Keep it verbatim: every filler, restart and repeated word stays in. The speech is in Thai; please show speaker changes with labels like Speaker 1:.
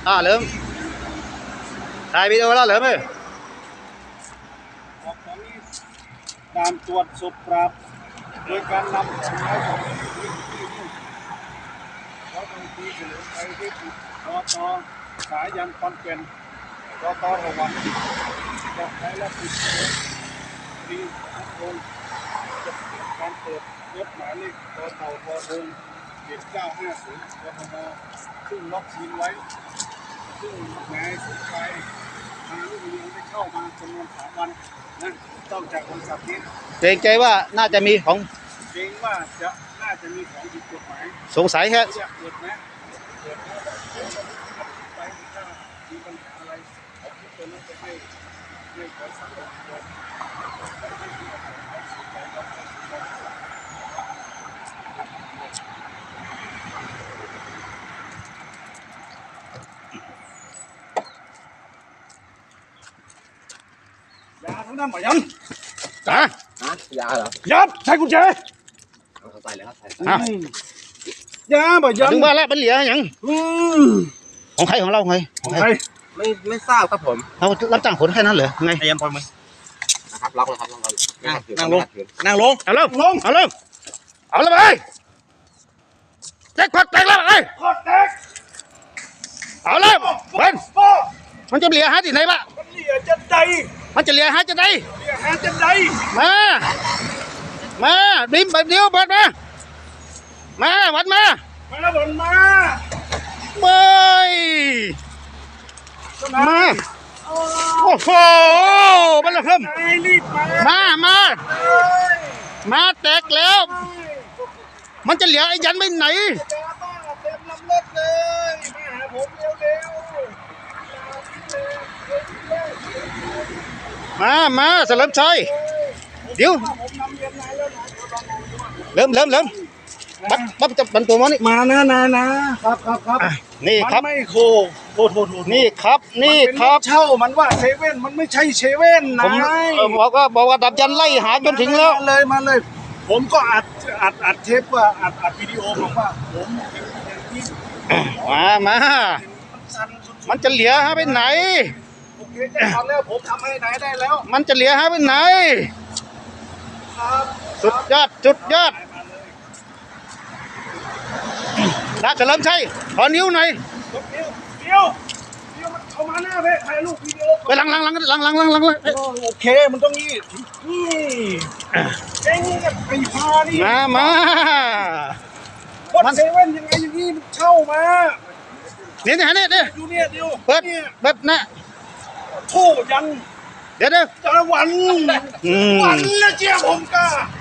Speaker 1: อ่าเริ่มถ่ายวิดีโอแล้วเหรอไหม
Speaker 2: ออกจากนี้ด่านตรวจศพปราบโดยการนำของไม้ของที่ที่นี่เขาต้องตีเฉลิมไปที่รอตอสายยันคอนเกนรอตอระวังจะใช้และติดรีทุกคนจะเกิดการเปิดรถหมายเลขต่อเต่าพอเทิงเจ็ดเก้าห้าศูนย์กทมซึ่งล็อกซีนไว้ซึ่งนายสุดท้ายทางลูกเรือได้เข้ามาจำนวนสามวันนะต้องจากบริษัทนี้
Speaker 1: เกรงใจว่าน่าจะมีของ
Speaker 2: เกรงว่าจะน่าจะมีของผิดกฎหมาย
Speaker 1: สงสัยแค่
Speaker 2: เกิดไหมเกิดแล้วไปถ้ามีปัญหาอะไรเอาคลิปตัวนั้นไปให้ให้ขอสั่งเลยยาทั้งนั้นหมอยัน
Speaker 1: จ้า
Speaker 3: ฮะยาเหรอ
Speaker 2: ยับใช้กุญแจ
Speaker 3: เขาใส่แล้วใส่
Speaker 2: ยาหมอยัน
Speaker 1: ถึงว่าแล้วเป็นเหลียอย่างของใครของเราไง
Speaker 2: ของใคร
Speaker 3: ไม่ไม่ทราบครับผม
Speaker 1: เรารับจ้างขนแค่นั้นเหรอไง
Speaker 3: พยายามพอมือนะครับล็อกเลยครับล็อกเลยนั่งลงนั่งลง
Speaker 1: เอาลงลงเอาลงเอาเลยไปแจ็คพอตแตกแล้วไอ้
Speaker 2: พอตแตก
Speaker 1: เอาเลยเป็นมันจะเหลียหาที่ไหนบ้าง
Speaker 2: มันเหลียจะใด
Speaker 1: มันจะเหลียหาจะไหน
Speaker 2: เหลียหาจะใด
Speaker 1: มามาดิ้มแบบเดียวเปิดมามาวัดมา
Speaker 2: มาแล้วบอลมา
Speaker 1: เบยมาโอ้โหมันละเพิ่มมามามาแตกแล้วมันจะเหลียไอ้ยันไปไหน
Speaker 2: เต็มลำรถเลยมาหาผมเร็ว
Speaker 1: ๆมามาเฉลิมชัยเดี๋ยวเริ่มเริ่มเริ่มบัดบัดจะบันตัวมันนี่
Speaker 2: มานะนะนะครับครับครับ
Speaker 1: นี่ครับ
Speaker 2: ไม่โคโทษโทษโทษ
Speaker 1: นี่ครับนี่ครับ
Speaker 2: เช่ามันว่าเซเว่นมันไม่ใช่เซเว่นนะ
Speaker 1: ผมบอกว่าบอกว่าดับยันไล่หาจนถึงแล้ว
Speaker 2: เลยมาเลยผมก็อัดอัดอัดเทปว่าอัดอัดวิดีโอบอกว่าผม
Speaker 1: มามามันจะเหลียหาไปไหน
Speaker 2: โอเคได้ทำแล้วผมทำให้ไหนได้แล้ว
Speaker 1: มันจะเหลียหาไปไหน
Speaker 2: ครับ
Speaker 1: สุดยอดสุดยอดนะเฉลิมชัยขอนิ้วหน่อย
Speaker 2: เดี๋ยวเดี๋ยวเดี๋ยวมันเข้ามาหน้าเพ่ถ่ายรูปวิดีโอ
Speaker 1: ไปหลังหลังหลังหลังหลังหลังหลัง
Speaker 2: โอเคมันต้องนี่นี่เองกับไอ้พานี่
Speaker 1: มามา
Speaker 2: วัดเซเว่นยังไงอย่างนี้มันเข้ามา
Speaker 1: เนี่ยเนี่ยเนี่ย
Speaker 2: ดูเนี่ยเดี๋ยว
Speaker 1: เปิดเปิดนะ
Speaker 2: โทษยัน
Speaker 1: เดี๋ยวเดี๋ยว
Speaker 2: จะวันวันแล้วเจ้าผมก้า